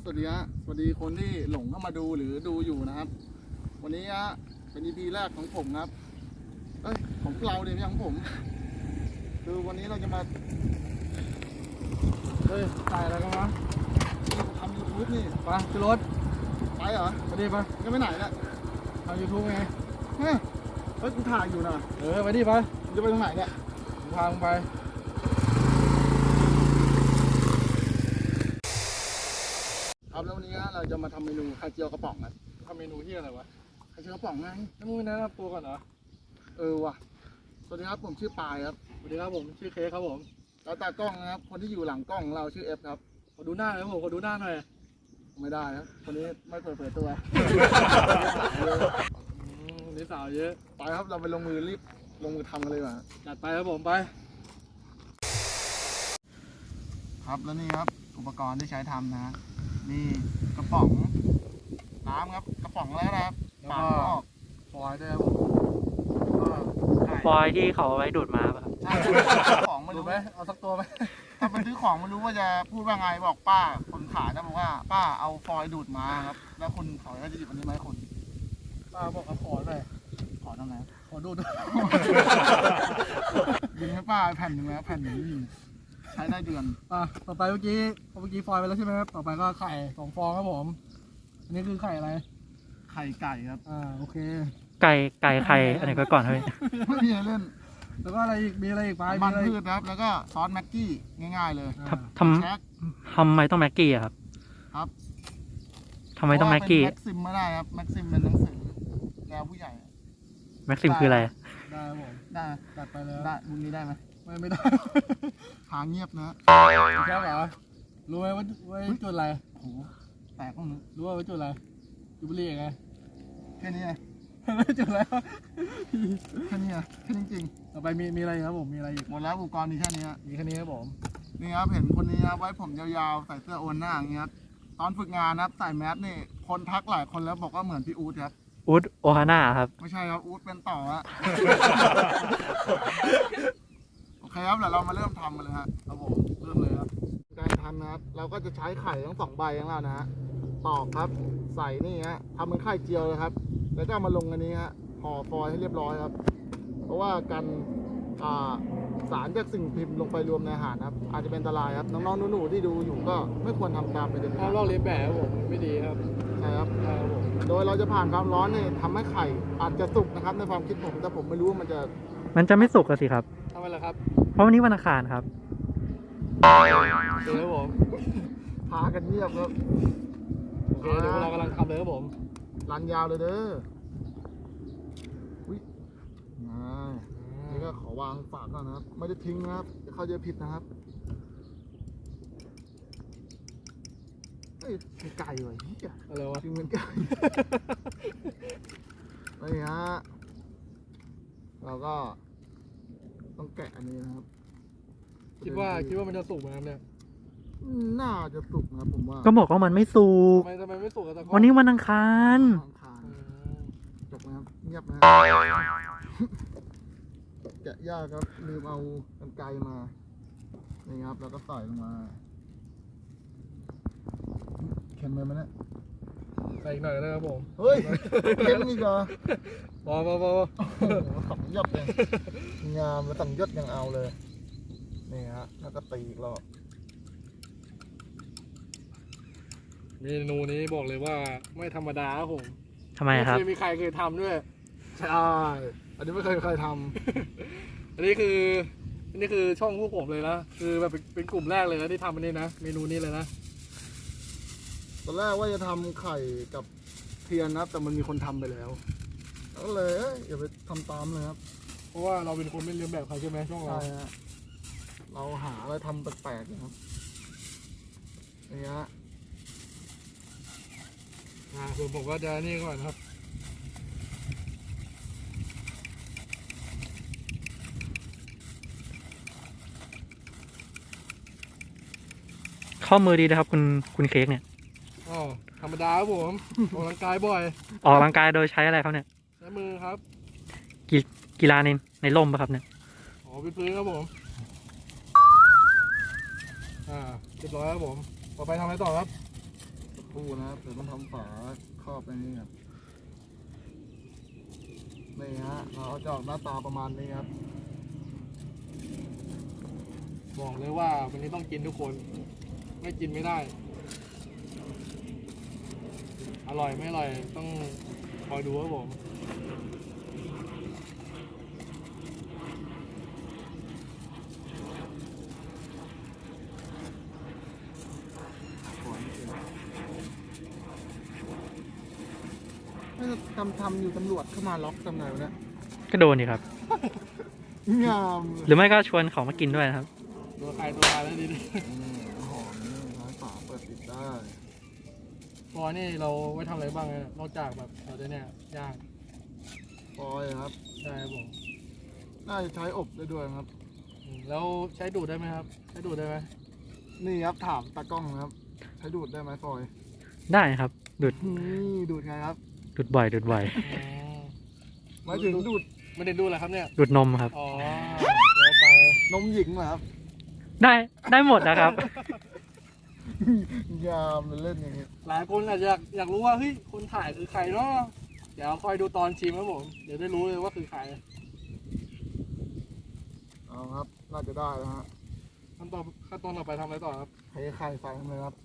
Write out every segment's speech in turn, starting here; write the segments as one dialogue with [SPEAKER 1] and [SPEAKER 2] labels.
[SPEAKER 1] วัสดีฮะสวัสดีคนที่หลงเข้ามาดูหรือดูอยู่นะครับวันนี้ฮะเป็น EP แรกของผมครับของเราเดี๋ยวไม่ใช่ของผมคือวันนี้เราจะมาถ่ายอะไรกันวะทำ YouTube นี่ไปขึ้นรถไปเหรอไปดิไปก็ไม่ไหนละทำ YouTube ไงเฮ้ยกูถ่ายอยู่นะไปดิไปจะไปตรงไหนเนี่ยทางไปครับแล้ววันนี้เราจะมาทำเมนูไข่เจียวกระป๋องกันทำเมนูที่อะไรวะไข่เจียวกระป๋องไงแล้วมึงแนะนำตัวก่อนเหรอว่ะสวัสดีครับผมชื่อปายครับสวัสดีครับผมชื่อเค้กครับผมแล้วตากล้องนะครับคนที่อยู่หลังกล้องของเราชื่อเอฟครับขอดูหน้าหน่อยครับผมขอดูหน้าหน่อยไม่ได้ครับคนนี้ไม่เผยตัวนี่สาวเยอะไปครับเราไปลงมือรีบลงมือทำกันเลยว่ะจัดไปครับผมไปครับแล้วนี่ครับอุปกรณ์ที่ใช้ทำนะนี่กระป๋องน้ำครับกระป๋องแล้วนะครับปากออกฟอยด้วยครับ
[SPEAKER 2] ฟอยที่เขาเอาไว้ดูดมาป่ะครับ
[SPEAKER 1] ใช่ของมาดูไหมเอาสักตัวไหมถ้าไปซื้อของมารู้ว่าจะพูดว่าไงบอกป้าคนขายนะบอกว่าป้าเอาฟอยดูดมาครับแล้วคุณขายก็จะหยิบอันนี้ไหมคุณป้าบอกเอาขอหน่อยขอตรงไหนขอดูดยิงให้ป้าแผ่นหนึ่งแล้วแผ่นหนึ่งใช้ได้เดือนต่อไปเมื่อกี้ฟอยไปแล้วใช่ไหมครับต่อไปก็ไข่2 ฟองครับผมอันนี้คือไข่อะไรไข่ไก่ครับโอเค
[SPEAKER 2] ไก่ไข่อันไหนก็ก่อนครับ
[SPEAKER 1] ไม่มีอะไรเล่นแล้วก็อะไรอีกมีอะไรอีกไปมันพืชครับแล้วก็ซอสแม็กกี้ง่ายๆเลย
[SPEAKER 2] ทำไมต้องแม็กกี้อะครับทำไมต้องแม็กกี้
[SPEAKER 1] แม็กซิมไม่ได้ครับแม็กซิมเป็นหนังสือแนวผู้ใหญ่
[SPEAKER 2] แม็กซิมคืออะไร
[SPEAKER 1] ได้ผมได้ตัดไปเลยได้มึงนี้ได้ไหมไม่ได้หาเงียบนะใช่เหรอรู้ไหมว่าจุดอะไรโอ้โหแตกบ้างนึกรู้ว่าจุดอะไรจุดบุหรี่ไงแค่นี้ไงจุดแล้วแค่นี้แค่จริงๆต่อไปมีอะไรครับผมมีอะไรอีกหมดแล้วอุปกรณ์มีแค่นี้มีแค่นี้ครับผมนี่ครับเห็นคนนี้ครับไว้ผมยาวๆใส่เสื้อโอนหน้าอย่างเงี้ยตอนฝึกงานนะครับใส่แมสนี่คนทักหลายคนแล้วบอกว่าเหมือนพี่อู๊ดครับ
[SPEAKER 2] อู๊ดโอฮาน่าครับ
[SPEAKER 1] ไม่ใช่ครับอู๊ดเป็นต่อฮะโอเคครับเดี๋ยวเรามาเริ่มทำกันเลยครับผมเริ่มเลยครับการทำนะครับเราก็จะใช้ไข่ทั้ง2 ใบของเรานะฮะตอกครับใส่นี่ฮะทำเป็นไข่เจียวเลยครับแล้วก็มาลงอันนี้ฮะห่อฟอยล์ให้เรียบร้อยครับเพราะว่ากันสารจากสิ่งพิมพ์ลงไปรวมในอาหารครับอาจจะเป็นอันตรายครับน้องๆหนูๆที่ดูอยู่ก็ไม่ควรทำตามไปเด็ดขาดลอกเลียนแบบผมไม่ดีครับใช่ครับโดยเราจะผ่านความร้อนเนี่ยทำให้ไข่อาจจะสุกนะครับในความคิดผมแต่ผมไม่รู้ว่ามัน
[SPEAKER 2] จะไม่สุกสิครับ
[SPEAKER 1] ทำไมล่ะครับ
[SPEAKER 2] เพราะวันนี้วันอังคารครับ
[SPEAKER 1] เดี๋ยวผมพากันเงียบครับโอเคเดี๋ยวเรากำลังทำเลยครับผมรันยาวเลยเด้อนี่ก็ขอวางฝากก่อนนะครับไม่ได้ทิ้งนะครับจะเข้าใจผิดนะครับมีไก่ไว้อะไรวะทิ้งเป็นไก่นี่ฮะเราก็ต้องแกะอันนี้นะครับคิดว่ามันจะสุกไหมครับเนี่ยน่าจะสุกนะผมว่า
[SPEAKER 2] ก็บอกว่ามันไม่สุก
[SPEAKER 1] ทำไมไม่สุกอ่ะ
[SPEAKER 2] วันนี้วันอังคาร
[SPEAKER 1] จบนะครับเงียบนะแกะยากครับลืมเอากรรไกรมานี่ครับแล้วก็ใส่ลงมาเค็มเลยมั้ยเนี่ยใส่อีกหน่อยนะครับผมเฮ้ยเค็มอีกเหรอพอขับยับเลยงามแล้วสั่งยศยังเอาเลยนี่ฮะแล้วก็ตีอีกรอบเมนูนี้บอกเลยว่าไม่ธรรมดาครับผม
[SPEAKER 2] ทำไมครับ
[SPEAKER 1] ไม่มีใครเคยทำด้วยใช่อันนี้ไม่เคยทำอันนี้คือช่องพวกผมเลยนะคือแบบเป็นกลุ่มแรกเลยนะที่ทำอันนี้นะเมนูนี้เลยนะตอนแรกว่าจะทำไข่กับเทียนนะแต่มันมีคนทำไปแล้วก็เลยอย่าไปทำตามเลยครับเพราะว่าเราเป็นคนไม่เลียนแบบใครใช่ไหมช่องเราใช่ฮะเราหาอะไรทำแปลกๆนะครับนี่ฮะส่วนผมก็จะนี่ก่อนครับ
[SPEAKER 2] ข้อมือดีนะครับคุณเค้กเนี่ย
[SPEAKER 1] ธรรมดาครับผมออกกำลังกายบ่อย
[SPEAKER 2] ออกกำลังกายโดยใช้อะไรครับเนี่ย
[SPEAKER 1] ใช้มือครับ
[SPEAKER 2] กีฬาในร่มป่ะครับเนี่ย
[SPEAKER 1] เป็นพื้นครับผมเรียบร้อยครับผมต่อไปทำอะไรต่อครับคู่นะครับเดี๋ยวต้องทำฝาครอบไปนี่ครับนี่ฮะเราจะออกหน้าตาประมาณนี้ครับ
[SPEAKER 3] บอกเลยว่าวันนี้ต้องกินทุกคน ไม่กินไม่ได้ อร่อยไม่อร่อยต้องคอยดูครับผม
[SPEAKER 1] ไม่ทำอยู่ตำรวจเข้ามาล็อกทำไงวะเนี่ย
[SPEAKER 2] ก็โดนดีครับ
[SPEAKER 1] งาม
[SPEAKER 2] หรือไม่ก็ชวนเขามากินด้วยนะครับ
[SPEAKER 3] ตัวใครตัวมันแล้วดี
[SPEAKER 1] หอมนี่ร้านฝาเปิดปิดได้
[SPEAKER 3] พอนี่เราไว้ทำอะไรบ้างเนี่ยนอกจากแบบเราจะเนี่ยย่าง
[SPEAKER 1] ฟอยล์ครับ
[SPEAKER 3] ใช่ครับผม
[SPEAKER 1] น่าจะใช้อบได้ด้วยครับ
[SPEAKER 3] แล้วใช้ดูดได้ไหมครับ ใช้ดูดได้ไหม
[SPEAKER 1] นี่ครับถามตากล้องนะครับ ใช้ดูดได้ไหมฟอยล์
[SPEAKER 2] ได้ครับดูด
[SPEAKER 1] นี่ดูดไงครับ
[SPEAKER 2] ดูดบ่อยดูดบ่อย
[SPEAKER 3] อ๋อ
[SPEAKER 1] หมายถึงดูด
[SPEAKER 3] ไม่ได้ดูดเหรอครับเนี่ย
[SPEAKER 2] ดูดนมครับ
[SPEAKER 3] อ๋อเดี๋ยวไป
[SPEAKER 1] นมหญิงเหรอครับ
[SPEAKER 2] ได้หมดนะครับ
[SPEAKER 1] งามเล่นอย่างนี้
[SPEAKER 3] หลายคนอาจจะอยากรู้ว่าเฮ้ยคนถ่ายคือใครเนาะเดี๋ยวคอยดูตอนชิมครับผมเดี๋ยวได้รู้เลยว่าคือใคร
[SPEAKER 1] เอาครับ น่าจะได้แล้วฮะ
[SPEAKER 3] ขั้นตอนต่อไปทำอะไรต่อครับ
[SPEAKER 1] เทไข่ใส่เลยครับ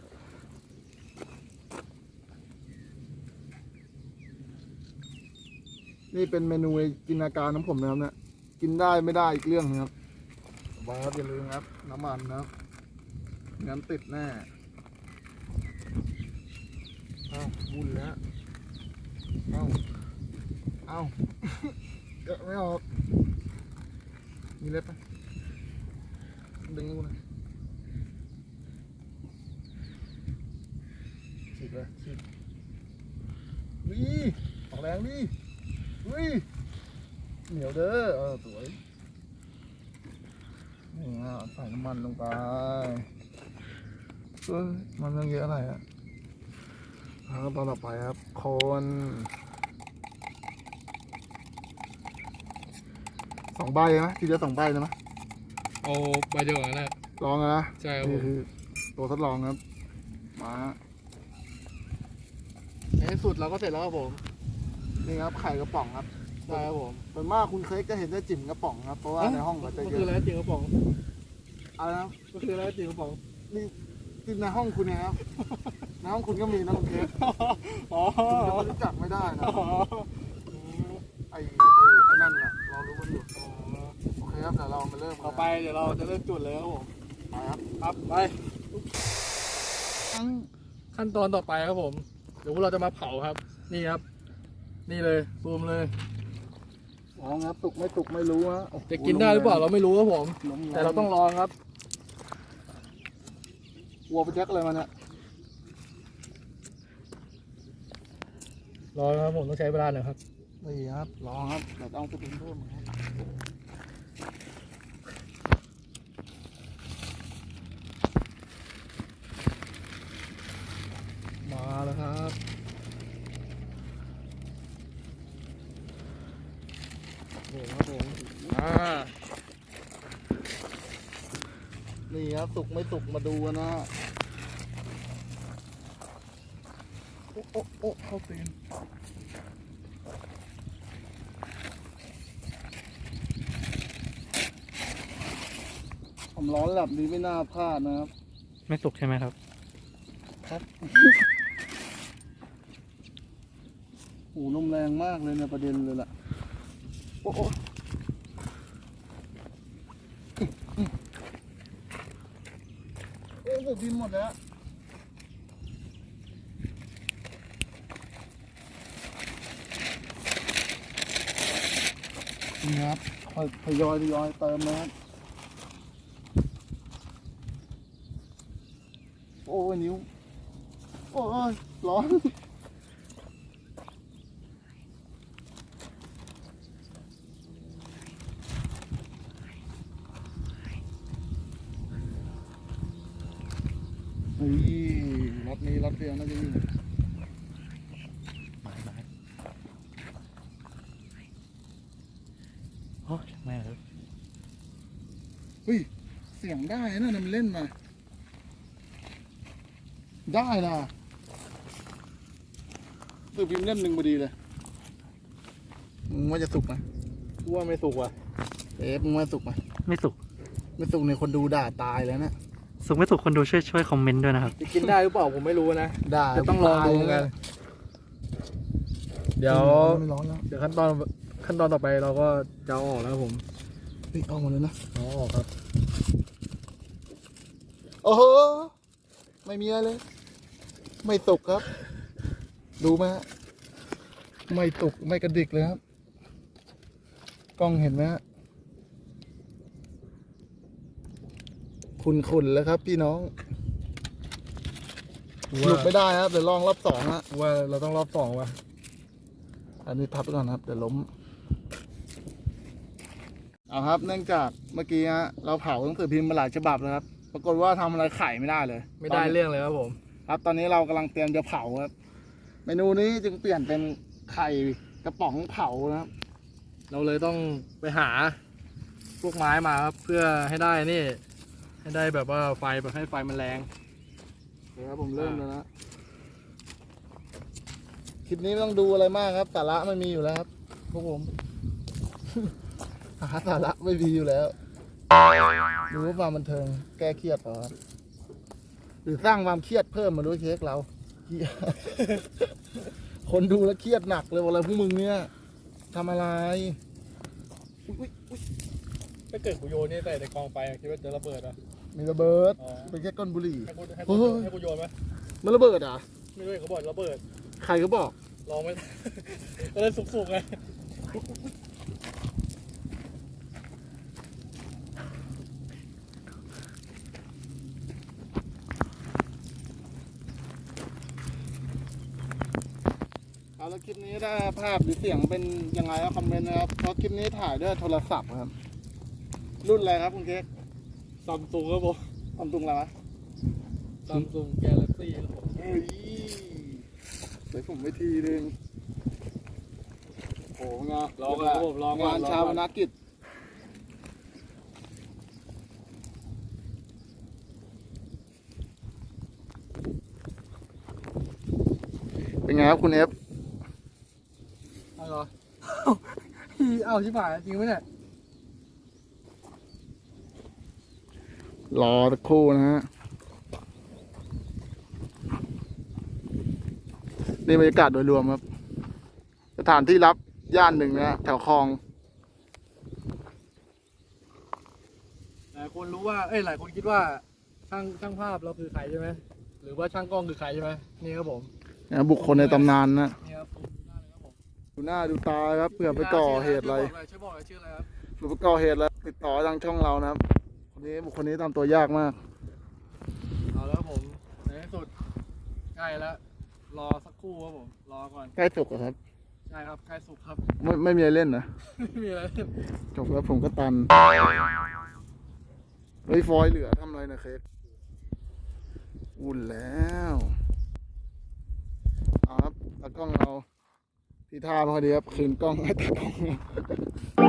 [SPEAKER 1] นี่เป็นเมนูจินตนาการของผมนะครับเนี่ย กินได้ไม่ได้อีกเรื่องนึงครับไว้ครับอย่าลืมครับ น้ำมันนะครับงั้นติดแน่เอ้าวุ่นแล้วเอ้าเอ้า เกะไม่ออก มีเล็บไหมดึงกูนะฉีกเลยฉีกนี่ออกแรงดิอุ้ยเหนียวเด้อสวยนี่ฮะใส่น้ำมันลงไปมันต้องเยอะอะไรอ่ะแล้วตอนต่อไปครับคน2 ใบไหมทีเดียว2 ใบนะมั้ย
[SPEAKER 3] เอาใบเดียวกันแหละ
[SPEAKER 1] ลองนะ
[SPEAKER 3] ใช่ครับผ
[SPEAKER 1] นี่
[SPEAKER 3] ม
[SPEAKER 1] คือตัวทดลองครับ มา
[SPEAKER 3] ในที่สุดเราก็เสร็จแล้วครับผม
[SPEAKER 1] นี่ครับไข่กระป๋องครับ
[SPEAKER 3] ใช่ครับผม
[SPEAKER 1] ส่วนมากคุณเค้กจะเห็นได้จิ๋มกระป๋องครับ เพราะว่าในห้องก็จะ
[SPEAKER 3] มัน
[SPEAKER 1] เย
[SPEAKER 3] คืออะไร
[SPEAKER 1] อะ
[SPEAKER 3] จริงกระป๋อง
[SPEAKER 1] อะไรนะ
[SPEAKER 3] มันคืออะไรจริงกระป๋อง
[SPEAKER 1] นี่ที่ในห้องคุณเนี่ยครับ ในห้องคุณก็มีนะคุณเค้ก
[SPEAKER 3] อ๋อ
[SPEAKER 1] คุณจะไม่รู้จักไม่ได้นะ
[SPEAKER 3] อ๋อ
[SPEAKER 1] ไอ้นั่นแหละเรารู้กันอยู่โอเคครับเดี๋ยวเรามาเริ่มกัน
[SPEAKER 3] ต่อไปเดี๋ยวเราจะเริ่มจุดเลยครับผม
[SPEAKER 1] ไปครับ
[SPEAKER 3] ครับไป
[SPEAKER 1] ทั้ง
[SPEAKER 3] ขั้นตอนต่อไปครับผม เดี๋ยวพวกเราจะมาเผาครับ นี่ครับ นี่เลยซูมเลย
[SPEAKER 1] อ๋อครับสุกไม่สุกไม่รู้ฮะโอ้โ
[SPEAKER 3] จะกินได้หรือเปล่าเราไม่รู้ครับผม
[SPEAKER 1] ลมแ
[SPEAKER 3] แต่เราต้องลองครับ
[SPEAKER 1] วัวไปแจ็คอะไรมาเนี่ย
[SPEAKER 3] รอครับผมต้องใช้เวลาหน่อยครับ
[SPEAKER 1] นี่ครับลองครับเดี๋ยวต้องไปปรุงเพิ่มครับมาแล้วครับนี่ครับผมนี่ครับสุกไม่สุกมาดูกันนะฮะโอ้โอ้โอ้เข้าตีนผมร้อนแบบนี้ไม่น่าพลาดนะครับ
[SPEAKER 2] ไม่สุกใช่ไหมครับ
[SPEAKER 1] ครับโอ้ลมแรงมากเลยในประเด็นเลยล่ะ โอ้โอ้โอ้ผมดินหมดแล้วนี่ครับค่อยทยอยเติมนะครับ โอ้ยนิ้ว โอ้ยร้อนนี่รถนี้รถเดียวน่าจะอยู่
[SPEAKER 2] โอ้แม่ครับ
[SPEAKER 1] เฮ้ย เสียงได้นะมันเล่นมา ได้นะสือพิมพ์เล่มหนึ่งพอดีเลยมึงว่าจะสุกไหม
[SPEAKER 3] กูว่าไม่สุกว่ะ
[SPEAKER 1] มึงว่าสุกไหม
[SPEAKER 2] ไม่สุก
[SPEAKER 1] ไม่สุกในคนดูด่าตายแล้วนะ
[SPEAKER 2] สุกไม่สุกคนดูช่วยคอมเมนต์ด้วยนะครับ
[SPEAKER 3] จะกินได้หรือเปล่าผมไม่รู้นะ
[SPEAKER 1] ด่า
[SPEAKER 3] จะต้องลองดูกัน เดี๋ยว
[SPEAKER 1] ไม่ร้อนแล้ว
[SPEAKER 3] เดี๋ยวขั้นตอนต่อไปเราก็จะเอาออกแล้วครับผม
[SPEAKER 1] เฮ้ยเอามาเลยนะ
[SPEAKER 3] เอาออกครับ
[SPEAKER 1] โอ้โหไม่มีอะไรเลย ไม่สุกครับ ดูไหมฮะไม่สุกไม่กระดิกเลยครับกล้องเห็นไหมฮะขุ่นๆแล้วครับ พี่น้องสรุปไม่ได้ครับเดี๋ยวลองรอบสองฮะ
[SPEAKER 3] ว่าเราต้องรอบสองว่ะ
[SPEAKER 1] อันนี้พับไปก่อนครับเดี๋ยวล้มเอาครับ เนื่องจากเมื่อกี้ฮะเราเผาหนังสือพิมพ์มาหลายฉบับแล้วครับ ปรากฏว่าทำอะไรไข่ไม่ได้เลย
[SPEAKER 3] ไม่ได้เรื่องเลยครับผม
[SPEAKER 1] ครับ ตอนนี้เรากำลังเตรียมจะเผาครับ เมนูนี้จึงเปลี่ยนเป็นไข่กระป๋องเผานะครับ
[SPEAKER 3] เราเลยต้องไปหาพวกไม้มาครับ เพื่อให้ได้นี่ ให้ได้แบบว่าไฟแบบให้ไฟมันแรง
[SPEAKER 1] เดี๋ยวครับผมเริ่มแล้วนะคลิปนี้ไม่ต้องดูอะไรมากครับสาระไม่มีอยู่แล้วครับพวกผม หาสาระไม่มีอยู่แล้วดูว่าความบันเทิงแก้เครียดเหรอครับหรือสร้างความเครียดเพิ่มมาด้วยเค้กเรา เหี้ย คนดูแล้วเครียดหนักเลยว่าอะไรพวกมึงเนี่ยทำอะไรอุ๊ย
[SPEAKER 3] ถ้าเกิดกูโยนนี่ใส่ในกองไฟคิดว่าจะระเบิดอ่ะ
[SPEAKER 1] มีระเบิด
[SPEAKER 3] อ๋อ
[SPEAKER 1] เป็นแค่ก้นบุหรี่
[SPEAKER 3] ให้
[SPEAKER 1] เฮ้ย
[SPEAKER 3] กูโยนไหม
[SPEAKER 1] มันระเบิดเหรอ่ะ
[SPEAKER 3] ไม่รู้เขาบอกระเบิด
[SPEAKER 1] ใครก็บอก
[SPEAKER 3] ลองไหม ก็เลยสุกๆไง
[SPEAKER 1] เอาแล้วคลิปนี้ถ้าภาพหรือเสียงเป็นยังไงก็คอมเมนต์นะครับเพราะคลิปนี้ถ่ายด้วยโทรศัพท์ครับ รุ่นอะไรครับคุณเค้ก
[SPEAKER 3] ซัมซุงครับผม
[SPEAKER 1] ซัมซุงอะไรวะ
[SPEAKER 3] ซัมซุงแกลเล็กซี่ครับผม
[SPEAKER 1] เฮ้ยเดี๋ยวผมไปทีนึงโอ้งาน
[SPEAKER 3] ลองกันครับผมลองก่อน
[SPEAKER 1] งานชาวนากิจเป็นไงครับคุณเอฟ
[SPEAKER 3] เอาเหรอ เอาชิบหายจริงไหมเนี่ย
[SPEAKER 1] รอสักครู่นะฮะนี่บรรยากาศโดยรวมครับ สถานที่รับย่านหนึ่งนะแถวคลอง
[SPEAKER 3] หลายคนรู้ว่า หลายคนคิดว่าช่างภาพเราคือใครใช่ไหม หรือว่าช่างกล้องคือใครใช่ไหมนี่ครับผม
[SPEAKER 1] นะบุคคลในตำนานนะ
[SPEAKER 3] นี่ครับผมดูหน้าเลยครับผม
[SPEAKER 1] ดูหน้าดูตาครับเผื่อไปก่อเหตุอะไร
[SPEAKER 3] ช่วยบอกเลยชื่ออะไรครับ
[SPEAKER 1] เผื่อไปก่อเหตุอะไรติดต่อทางช่องเรานะครับคนนี้บุคคลนี้ตามตัวยากมาก
[SPEAKER 3] เอาแล้วครับผมในที่สุดใกล้แล้ว รอสักครู่ครับผม รอก่อน
[SPEAKER 1] ใกล้สุกแล้วครับ
[SPEAKER 3] ใช่ครับใกล้สุกครับ
[SPEAKER 1] ไม่มีอะไรเล่นนะ
[SPEAKER 3] ไม่มีอะไร
[SPEAKER 1] จบแล้วผมก็ตันเฮ้ยฟอยล์เหลือทำอะไรนะเค้กอุ่นแล้วเอาครับตากล้องเราที่ท่าพอดีครับคืนกล้องให้ตากล้อง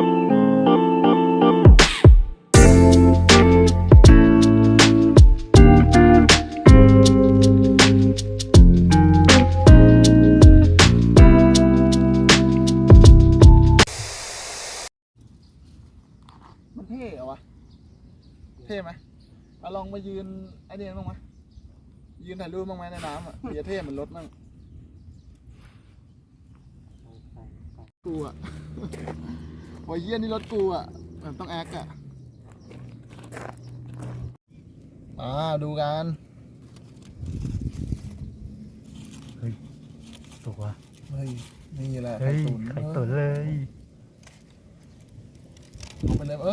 [SPEAKER 1] มันเท่เหรอวะเท่ไหมเอาลองมายืนไอเดียบ้างไหมยืนถ่ายรูปบ้างไหมในน้ำอ่ะเดี๋ยวเท่เหมือนรถมั่งกูอ่ะ โอ้ยเยี่ยนี่รถกูอ่ะมันต้องแอคอ่ะดูกัน
[SPEAKER 2] สุกว่ะ
[SPEAKER 1] เฮ้ยนี่แหละ
[SPEAKER 2] เฮ้ย
[SPEAKER 1] น
[SPEAKER 2] ไข่ตุ๋นเลย
[SPEAKER 1] ลงไปเลย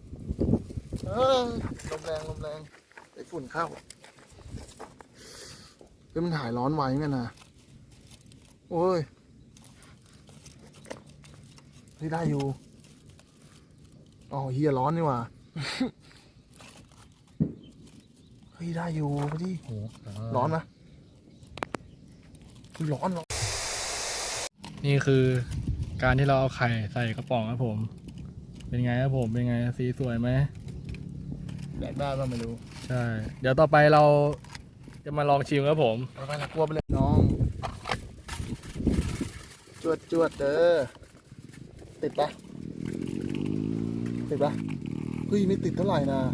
[SPEAKER 1] ลมแรงไอ้ฝุ่นเข้าเฮ้ยมันหายร้อนไวเหมือนกันนะโอ้ยนี่ได้อยู่อ๋อเฮียร้อนนี่หว่า เฮ้ยได้อยู่พอดี
[SPEAKER 2] โอ้
[SPEAKER 1] ร้อนไหมร้อน
[SPEAKER 3] นี่คือการที่เราเอาไข่ใส่กระป๋องครับผม เป็นไงครับผม เป็นไงสีสวยไหม
[SPEAKER 1] แดกได้ป่ะไม่รู้
[SPEAKER 3] ใช่ เดี๋ยวต่อไปเราจะมาลองชิมครับผม
[SPEAKER 1] ไปละกลัวไปเลยน้องจวดเด้อติดปะเฮ้ยไม่ติดเท่าไหร่นะ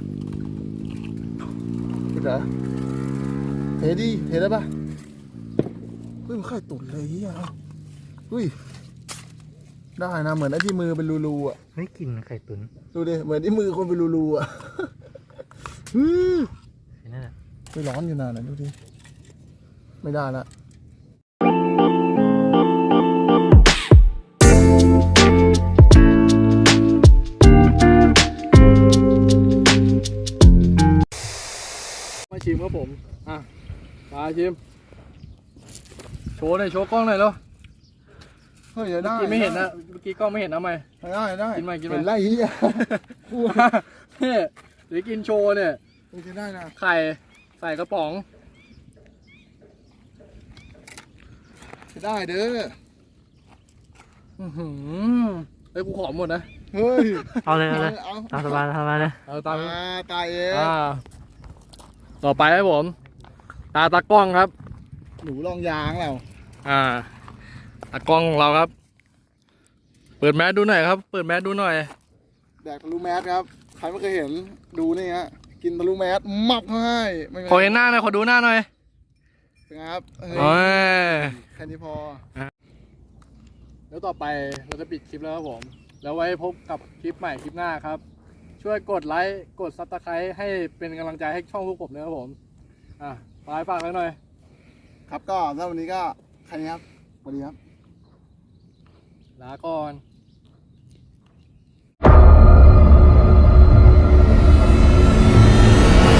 [SPEAKER 1] ติดเหรอเทได้ปะเฮ้ยมันไข่ตุ๋นเลยเฮียเฮ้ยได้นะเหมือนไอ้ที่มือเป็นรูๆอ่ะ
[SPEAKER 2] ไม่กินไข่ตุ๋น
[SPEAKER 1] ดูดิเหมือนที่มือคนเป็นรูๆอ่ะ
[SPEAKER 2] ไอ้นั่นแหละ
[SPEAKER 1] ไม่ร้อนอยู่นานนะดูดิไม่ได้ละ
[SPEAKER 3] มาชิมครับผมอ่ะมาชิมโชว์หน่อยโชว์กล้องหน่อยแล้ว
[SPEAKER 1] เฮ้ยได้
[SPEAKER 3] เมื่อกี้ไม่เห็นนะเมื่อกี้กล้องไม่เห็นนะไม่
[SPEAKER 1] ได้
[SPEAKER 3] กินไหม
[SPEAKER 1] เห็นไรเฮีย
[SPEAKER 3] เนี่ยเดี๋ยวกินโชว์เนี่ย
[SPEAKER 1] กินได้นะ
[SPEAKER 3] ไข่ใส่กระป๋อง
[SPEAKER 1] ได้เด้อ
[SPEAKER 3] เฮ้ยกูขอหมดนะ
[SPEAKER 1] เฮ้ย
[SPEAKER 2] เอาเลยเลย
[SPEAKER 1] เอา
[SPEAKER 2] ตามสบายเลย
[SPEAKER 3] เอาตาม
[SPEAKER 1] ตายเอง
[SPEAKER 3] ต่อไปครับผมตากล้องครับ
[SPEAKER 1] หนูลองยางแล้ว
[SPEAKER 3] ตากล้องของเราครับ เปิดแมสดูหน่อยครับ เปิดแมสดูหน่อย
[SPEAKER 1] แดกทะลุแมสครับใครไม่เคยเห็นดูนี่ฮะกินทะลุแมสมับให้ไม่
[SPEAKER 3] ขอเห็นหน้าหน่อยขอดูหน้าหน่อย
[SPEAKER 1] เป็นไงครับเฮ้ย
[SPEAKER 3] โอ้ย
[SPEAKER 1] แค่นี้พอ
[SPEAKER 3] แล้วต่อไปเราจะปิดคลิปแล้วครับผม แล้วไว้พบกับคลิปใหม่คลิปหน้าครับ ช่วยกดไลค์กดซับสไครต์ให้เป็นกำลังใจให้ช่องพวกผมด้วยครับผมฝากไว้หน่อย
[SPEAKER 1] ครับก็สำหรับวันนี้ก็แค่นี้ครับสวัสดีครับ
[SPEAKER 3] ลาก่อน